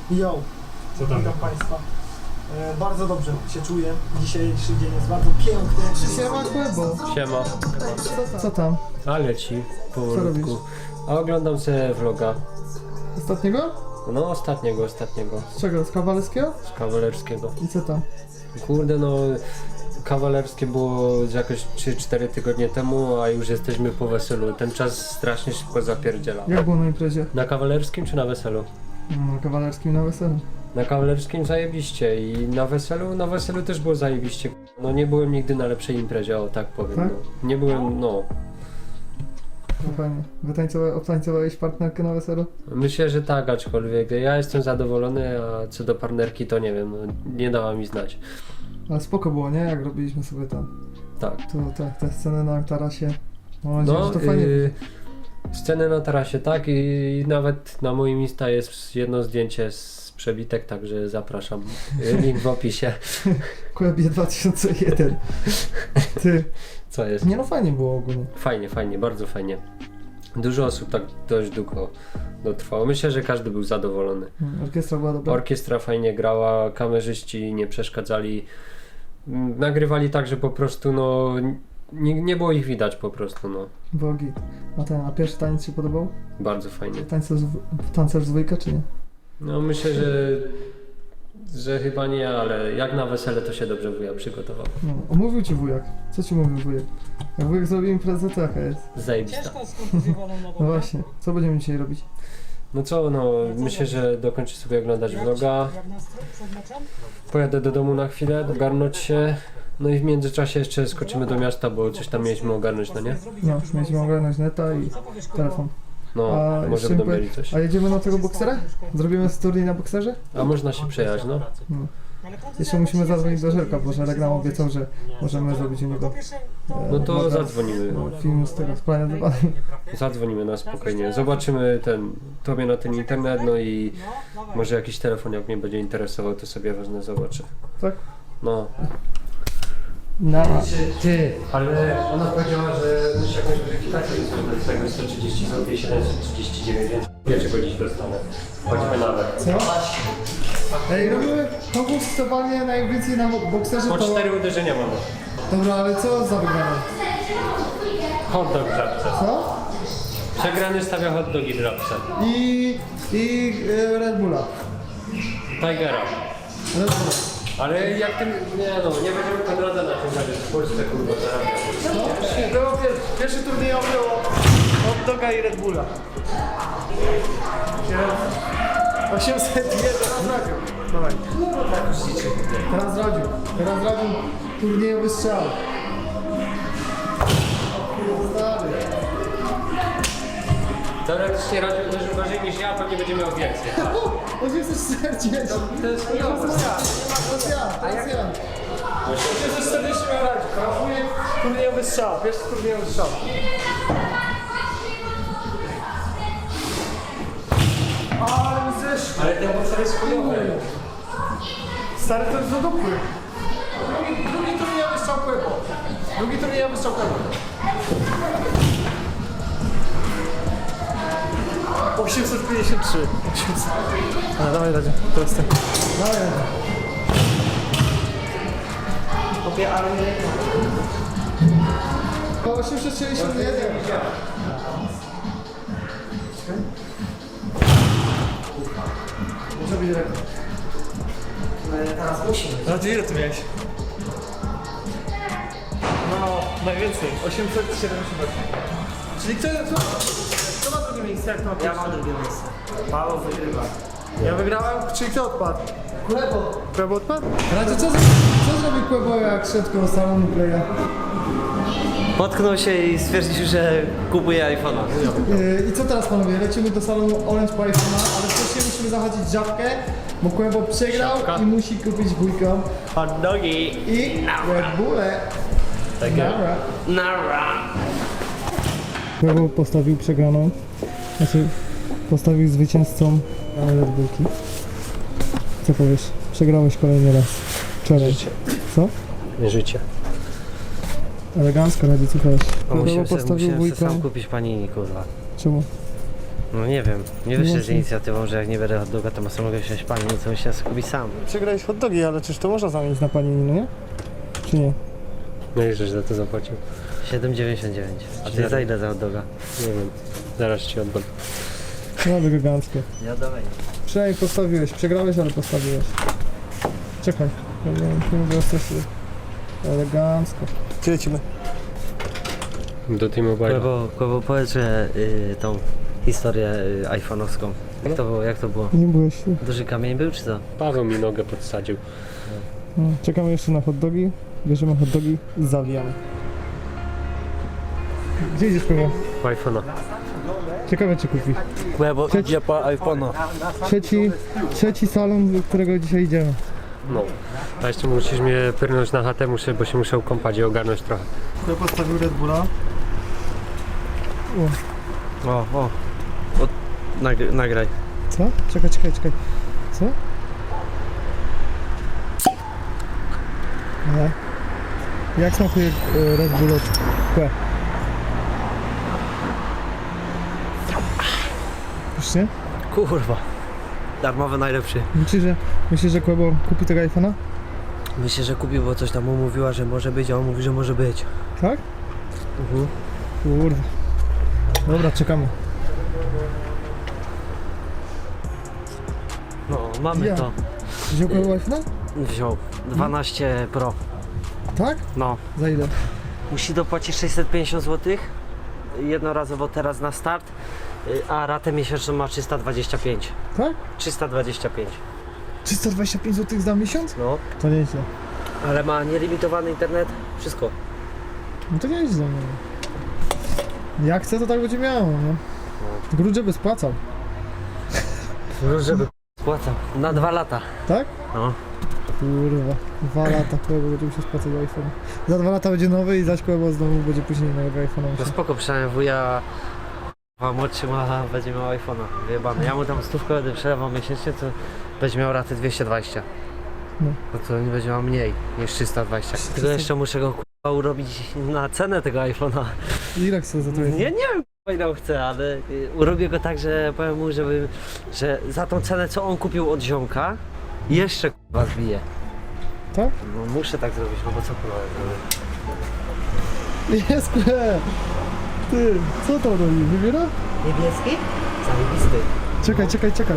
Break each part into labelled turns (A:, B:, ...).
A: Jo,
B: Co tam?
A: witam Państwa. Bardzo dobrze się czuję. Dzisiejszy dzień jest bardzo piękny.
C: Siema Kłębo.
B: Siema.
C: Co tam?
B: A leci powolutku.
C: robisz?
B: A oglądam sobie vloga.
C: Ostatniego?
B: No ostatniego.
C: Z czego? Z kawalerskiego?
B: Z kawalerskiego.
C: I co tam?
B: Kurde no, kawalerskie było jakoś 3-4 tygodnie temu, a już jesteśmy po weselu. Ten czas strasznie szybko zapierdziela.
C: Jak było na imprezie?
B: Na kawalerskim czy na weselu?
C: No, kawalerskim na weselu.
B: Na kawalerskim zajebiście i na weselu też było zajebiście. No nie byłem nigdy na lepszej imprezie, o tak powiem.
C: Tak?
B: No. Nie byłem, no.
C: No fajnie. Obtańcowałeś partnerkę na weselu?
B: Myślę, że tak, aczkolwiek ja jestem zadowolony, a co do partnerki to nie wiem, no, nie dała mi znać.
C: Ale spoko było, nie? Jak robiliśmy sobie tam.
B: Tak.
C: To te sceny na tarasie. Mam nadzieję,
B: No,
C: że to fajnie.
B: sceny na tarasie, tak, i nawet na moim Insta jest jedno zdjęcie z przebitek, także zapraszam. Link w opisie.
C: Kłębie 2001. Ty.
B: Co jest?
C: Nie no, fajnie było ogólnie.
B: Fajnie, bardzo fajnie. Dużo osób tak dość długo dotrwało. Myślę, że każdy był zadowolony.
C: Orkiestra była dobra.
B: Orkiestra fajnie grała, kamerzyści nie przeszkadzali. Nagrywali tak, że po prostu no nie było ich widać po prostu, no.
C: Było git. A pierwszy taniec się podobał?
B: Bardzo fajnie.
C: Tancerz z dwójka, czy nie?
B: No myślę, że chyba nie, ale jak na wesele to się dobrze wuja przygotował.
C: No, omówił ci wujek. Co ci mówił wujek? Jak wujek zrobił imprezę, to jaka jest?
B: Zajebista.
C: No właśnie. Co będziemy dzisiaj robić?
B: No co, no myślę, że dokończę sobie oglądać vloga. Pojadę do domu na chwilę, dogarnąć się. No i w międzyczasie jeszcze skoczymy do miasta, bo coś tam mieliśmy ogarnąć, no nie?
C: No, mieliśmy ogarnąć neta i telefon.
B: No, może
C: jeszcze
B: będą
C: mi
B: mieli coś.
C: A jedziemy na tego boksera? Zrobimy turniej na bokserze?
B: A można się przejechać, no.
C: No. Jeszcze musimy zadzwonić do Żelka, bo Żelek nam obiecał, że możemy zrobić u niego
B: No to
C: vloga
B: zadzwonimy.
C: film z tego, z Planet
B: Zadzwonimy na spokojnie. Zobaczymy tobie na ten internet, no i może jakiś telefon, jak mnie będzie interesował, to sobie wezmę, zobaczę.
C: Tak?
B: No.
C: No.
B: Ty, ale ona powiedziała, że musi jakąś weryfikację zrobić z tego 130 zł i 739, więc wiecie, go dziś dostanę. Chodźmy nawet.
C: Co? Ej, robimy konkurs totalnie najwięcej na bokserze
B: Po
C: to...
B: 4 uderzenia mamy.
C: Dobra, ale co za wygrane?
B: Hot dog w żabce.
C: Co?
B: Przegrany stawia hot dogi w żabce.
C: I Red Bulla.
B: Tigera.
C: Red Bulla.
B: Ale jak tym... Nie no, nie będziemy Konrada na tym razie w Polsce kurwa zarabiać.
C: Było pierwszy turniej było od Doga i Red Bulla. 801, teraz radził. Dawaj. Teraz radził turniejowy strzał. Stary.
B: Teoretycznie radio uderzył gorzej niż ja, pewnie będzie miał więcej.
C: 840.
B: To jest chujowe.
C: Teraz ja. 840 miał radził. Turniejowy strzał. Pierwszy turniejowy strzał. Ale zeszło.
B: Ale ten bokser jest chujowy.
C: Stary, to jest do dupy. Drugi turniejowy strzał Kłębo. Drugi turniejowy strzał Kłębo. 853. 800. A, dawaj, Radzie. Teraz ty. Dawaj, Radzie. Kopie armię. 861. Może być rekord.
A: Teraz musimy.
C: Radzie, ile ty miałeś? No, najwięcej. 878. Czyli kto ma drugie miejsce? Jak to ma
A: Ja mam drugie miejsce. Paweł wygrywa.
C: Ja wygrałem, czyli kto odpadł? Kłębo odpadł? Radzie, co zrobił Kłębo, jak szedł koło salonu Playa?
D: Potknął się i stwierdził, że kupuje iPhone'a.
C: I co teraz, panowie? Lecimy do salonu Orange po iPhone'a, ale wcześniej musimy zachodzić żabkę, bo Kłębo przegrał
B: Żabka.
C: i musi kupić wujkom
D: Hot dogi.
C: i Red Bullę.
B: Takie.
D: Nara.
C: Kłębo postawił przegraną, znaczy postawił zwycięzcą Red Bullki. Co powiesz? Przegrałeś kolejny raz. Wczoraj. Co?
B: Życie.
C: Elegancko, Radzie, co powiesz? Kłębo
D: Musiałem
C: postawił
D: sobie sam
C: wujkom.
D: kupić panini, kurwa.
C: Czemu?
D: No nie wiem, nie wyszedł z
C: Właśnie.
D: inicjatywą, że jak nie będę hot doga, to sam mogę wziąć pani, co myślę sobie kupić sam.
C: Przegrałeś hot dogi, ale czyż to można zamienić na panini, no nie? Czy nie?
B: No i żeś za to zapłacił.
D: 7,99. A ty za ile za hot doga?
B: Nie wiem, zaraz ci oddam.
C: No eleganckie.
D: Ja dawaj.
C: Przynajmniej postawiłeś, przegrałeś, ale postawiłeś. Czekaj, nie mówię o stresie. Elegancko. Gdzie lecimy?
B: Do T-Mobile.
D: Kłebo, powiedz, że tą historię iPhone'owską. Jak to było?
C: Nie byłeś.
D: Duży kamień był, czy co?
B: Paweł mi nogę podsadził.
C: No, czekamy jeszcze na hot dogi. Bierzemy hot dogi i zawijamy. Gdzie idziesz, Kłebo?
B: iPhone'a.
C: Ciekawe, czy kupi.
D: Kłebo idzie po iPhone'a.
C: Trzeci salon, do którego dzisiaj idziemy.
B: No. A jeszcze musisz mnie pyrnąć na chatę, bo się muszę kąpać i ogarnąć trochę.
C: Ja postawił Red Bulla.
D: O. Nagraj.
C: Co? Czekaj. Co? Nie. Jak smakuje Red Bull od Kłe? Już nie?
D: Kurwa. Darmowy najlepszy.
C: Myślisz, że Kłebo kupi tego iPhone'a?
D: Myślę, że kupił, bo coś tam mu mówiła, że może być, a on mówi, że może być.
C: Tak? Kurwa. Dobra, czekamy.
D: No, mamy
C: Ja.
D: to.
C: Wziął Kłebo iPhone'a?
D: Wziął. 12 Pro.
C: Tak?
D: No.
C: Za ile?
D: Musi dopłacić 650 zł. Jednorazowo teraz na start. A ratę miesięczną ma 325.
C: Tak?
D: 325.
C: 325 zł za miesiąc?
D: No.
C: To nieźle.
D: Ale ma nielimitowany internet. Wszystko.
C: No to nieźle. No. Jak chce, to tak będzie miało, nie? Grudzie by spłacał.
D: Żeby spłacał. Na 2 lata.
C: Tak?
D: No.
C: Kurwa, 2 lata Kłebo będzie musiał spłacać iPhone. Za 2 lata będzie nowy i zaś Kłebo znowu będzie później nowego iPhone'a
D: No
C: musiał.
D: spoko, przynajmniej wuja młodszy będzie miał iPhone'a. Wyjebany. Ja mu tam 100 będę przelewał miesięcznie, to będzie miał ratę 220.
C: No.
D: No to nie będzie miał mniej niż 320. Tylko jeszcze muszę go kurwa urobić na cenę tego iPhone'a.
C: Ile chce za to iPhone?
D: Nie wiem ile on chce, ale urobię go tak, że powiem mu, że za tą cenę co on kupił od ziomka jeszcze kurwa zbije.
C: Tak?
D: No muszę tak zrobić, no bo co kurwa zrobię?
C: Jest Kłe! Ty, co to robi? Wybiera?
D: Niebieski? Zajebisty.
C: Czekaj.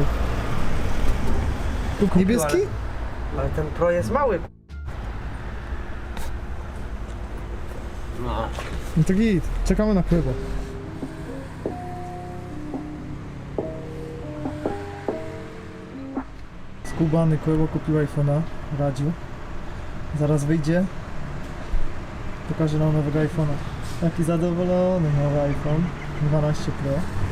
C: Tu niebieski?
D: Ale ten Pro jest mały. No.
C: No to git. Czekamy na Kłebo. Skubany Kłebo kupił iPhone'a, radził. Zaraz wyjdzie. Pokaże nam nowego iPhone'a. Taki zadowolony nowy iPhone 12 Pro.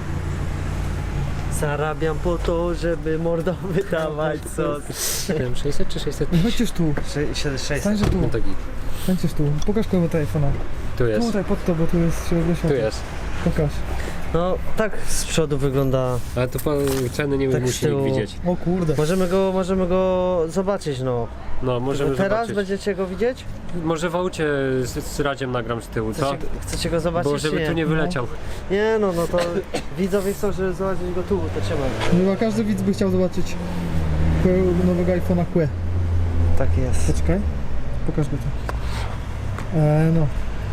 D: Zarabiam po to, żeby mordą wydawać sos.
B: Nie wiem, 600 czy 600?
C: No chodźcie tu,
D: 600.
C: stańcie tu,
B: No to git.
C: stańcie tu. Pokaż Kłebo te iPhone'a.
B: Tu jest.
C: Tutaj pod to, bo tu jest środek
B: Tu
C: światła.
B: jest.
C: Pokaż.
D: No tak z przodu wygląda.
B: Ale to ceny nie
D: Tak z
B: musi
D: tyłu.
B: nikt widzieć.
C: O kurde.
D: Możemy go zobaczyć, no.
B: No, możemy
D: Teraz
B: zobaczyć.
D: będziecie go widzieć?
B: Może w aucie z Radziem nagram z tyłu, co?
D: Chcecie go zobaczyć?
B: Bo żeby
D: czy
B: tu nie wyleciał.
D: Nie no to widzowie chcą, żeby zobaczyć go tu, to trzeba.
C: Chyba każdy widz by chciał zobaczyć nowego iPhone'a Kłe.
D: Tak jest.
C: Poczekaj. Pokaż go tu. No.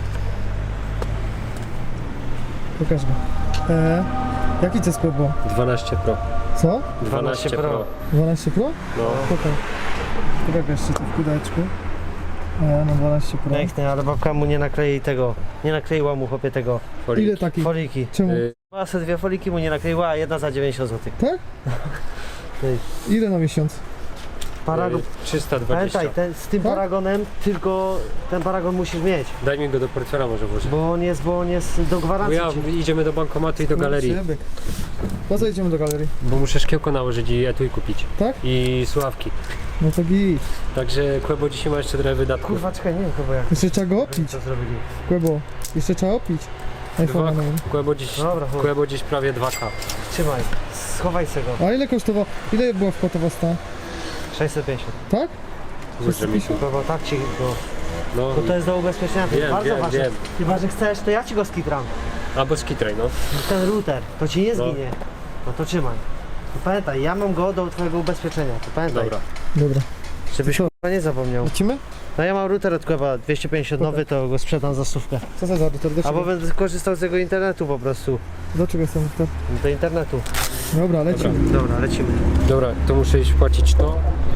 C: Pokaż go. Jaki to jest Kłebo?
B: 12 Pro.
C: Co?
D: 12 Pro.
C: 12 Pro?
B: No.
C: Pokaż. Pokaż jeszcze tu w kudeczku. No 12 Pro.
D: Piękny, ale babka mu nie naklei tego. Nie nakleiła mu chłopie tego.
B: Folii.
C: Ile takich?
D: Foliki.
C: Czemu?
D: Ma se 2 foliki mu nie nakleiła, a jedna za 90 zł.
C: Tak? Ile na miesiąc?
D: Paragon.
B: 320.
D: Pamiętaj, z tym
C: Tak?
D: paragonem tylko ten paragon musisz mieć.
B: Daj mi go do portfela może włożę.
D: Bo on jest do
B: Bo
D: gwarancji.
B: idziemy do bankomatu i do galerii.
C: Przebieg. Po co idziemy do galerii?
B: Bo muszę szkiełko nałożyć i etui kupić.
C: Tak?
B: I słuchawki.
C: No to git.
B: Także Kłebo dzisiaj ma jeszcze trochę wydatków.
D: Kurwa, czekaj, nie wiem chyba jak
C: Jeszcze trzeba go opić.
D: to zrobili.
C: Kłebo. Jeszcze trzeba opić. iPhone'a nowym.
B: Kłebo
D: Dobra,
B: Kłebo dziś prawie 2K.
D: trzymaj. Schowaj se go.
C: A ile kosztowało? Ile była wpłata wasta?
D: 650.
C: Tak?
B: Może mi tu.
D: Bo tak ci go.
B: No,
D: Bo to jest do ubezpieczenia, to jest
B: wiem,
D: bardzo
B: wiem,
D: ważne.
B: wiem.
D: Chyba, że chcesz, to ja ci go skitram.
B: Albo skitraj, no.
D: Ten router, to ci nie
B: No.
D: zginie. No to trzymaj. To pamiętaj, ja mam go do twojego ubezpieczenia, to pamiętaj.
B: Dobra.
C: Dobra.
D: Żebyś
C: Co?
D: k***a nie zapomniał.
C: Lecimy?
D: No ja mam router od Kłęba 250 nowy, to go sprzedam za 100.
C: Co za router? Do
D: Albo
C: czego?
D: będę korzystał z tego internetu po prostu.
C: Do czego jest ten router?
D: Do internetu.
C: Dobra, lecimy.
D: Dobra, lecimy.
B: Dobra, to muszę iść płacić to.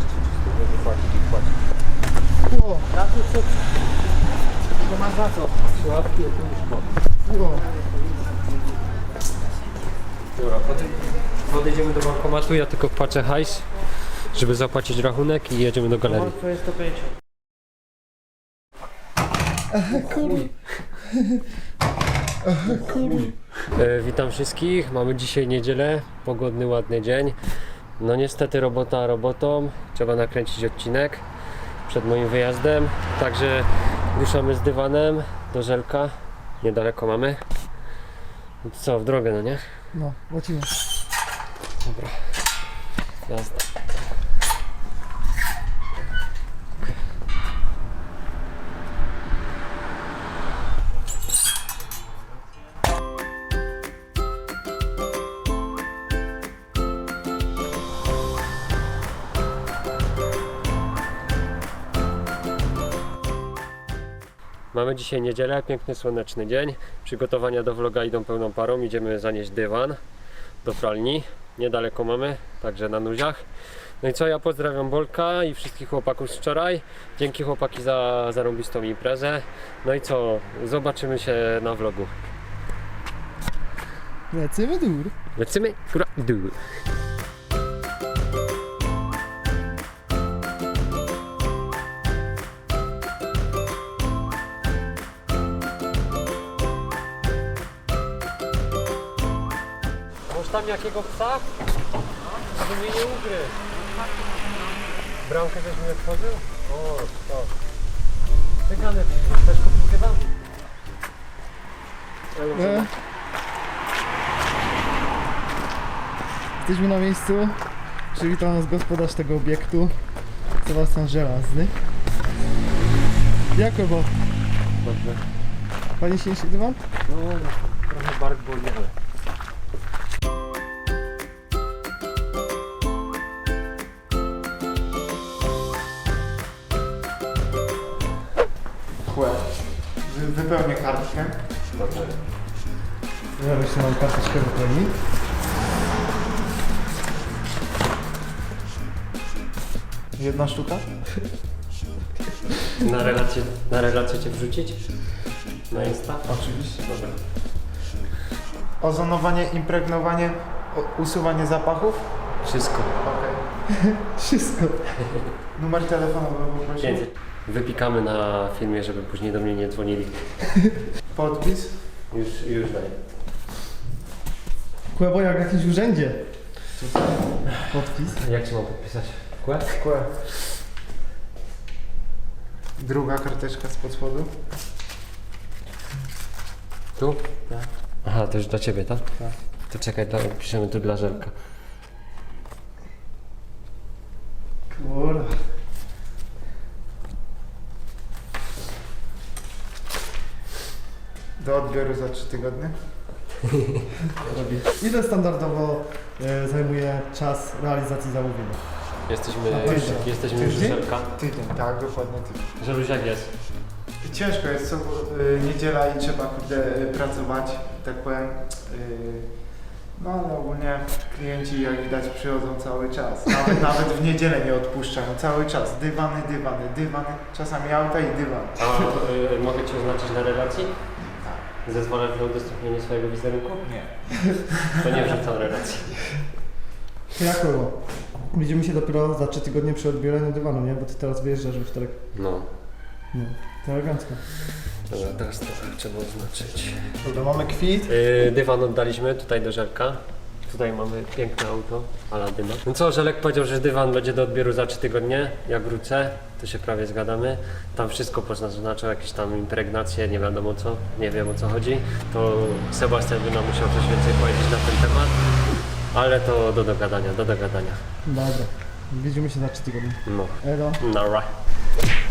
C: O,
D: To masz za co?
B: Słuchawki, łóżko.
C: o.
B: Dobra, podejdziemy do bankomatu, ja tylko wpłacę hajs, żeby zapłacić rachunek i jedziemy do galerii.
D: To jest 105.
B: Witam wszystkich, mamy dzisiaj niedzielę, pogodny, ładny dzień. No niestety robota robotą, trzeba nakręcić odcinek przed moim wyjazdem. Także ruszamy z dywanem do Żelka, niedaleko mamy. No to co, w drogę, no nie?
C: No, lecimy.
B: Dobra, jazda. Mamy dzisiaj niedzielę, piękny słoneczny dzień. Przygotowania do vloga idą pełną parą. Idziemy zanieść dywan do pralni. Niedaleko mamy, także na nuziach. No i co, ja pozdrawiam Bolka i wszystkich chłopaków z wczoraj. Dzięki chłopaki za zarąbistą imprezę. No i co, zobaczymy się na vlogu.
C: Lecimy dur.
B: Lecimy, góra, dół. Masz tam jakiego psa? Żeby mnie nie ugryzł. Bramkę też mi otworzył? O, to. Cygany, też kupił chyba?
C: Jesteśmy na miejscu. Przywitał nas gospodarz tego obiektu, Sebastian Żelazny. Jakobo,
B: Dobrze.
C: pani się nie dywan?
B: No, trochę bark boli, ale...
E: Wypełnię kartkę.
B: Dobrze.
C: Ja jeszcze mam karteczkę wypełnić.
E: Jedna sztuka?
B: Na relację cię wrzucić? Na Insta?
E: Oczywiście.
B: Dobra.
E: Ozonowanie, impregnowanie, usuwanie zapachów.
B: Wszystko.
E: Okej.
C: Wszystko.
E: Numer telefonu bym poprosił.
B: 500. Wypikamy na filmie, żeby później do mnie nie dzwonili.
E: Podpis.
B: Już daję.
C: Kłębo jak w jakimś urzędzie. Podpis.
B: Jak się mam podpisać? Kłe?
E: Kłe. Druga karteczka spod spodu.
B: Tu?
E: Tak.
B: Aha, to już dla ciebie, tak?
E: Tak.
B: To czekaj, piszemy tu dla Żelka.
C: Kurwa.
E: Do odbioru za 3 tygodnie.
C: Ile standardowo zajmuje czas realizacji zamówienia?
B: Jesteśmy już u
C: Tydzień?
B: Żelka.
E: Tydzień, tak, dokładnie tydzień.
B: Żeluś, jak jest?
E: Ciężko jest, co niedziela i trzeba kurde pracować, tak powiem. No ale ogólnie klienci jak widać przychodzą cały czas. Nawet w niedzielę nie odpuszczają, cały czas. Dywany, czasami auta i dywan.
B: A mogę cię oznaczyć na relacji?
E: Tak.
B: Zezwalasz na udostępnienie swojego wizerunku?
E: Nie.
B: To nie wrzucam relacji.
C: To jak było? Widzimy się dopiero za 3 tygodnie przy odbieraniu dywanu, nie? Bo ty teraz wyjeżdżasz we wtorek.
B: No.
C: No, to elegancko.
B: Dobra, teraz to trzeba oznaczyć.
E: Dobra, mamy kwit.
B: Dywan oddaliśmy tutaj do Żelka. Tutaj mamy piękne auto, Aladyna. No co, Żelek powiedział, że dywan będzie do odbioru za 3 tygodnie. Jak wrócę, to się prawie zgadamy. Tam wszystko poznaczył, jakieś tam impregnacje, nie wiadomo co, nie wiem o co chodzi. To Sebastian by nam musiał coś więcej powiedzieć na ten temat. Ale to do dogadania, do dogadania.
C: Dobra. Widzimy się za 3 tygodnie.
B: No,
C: Elo.
B: nara.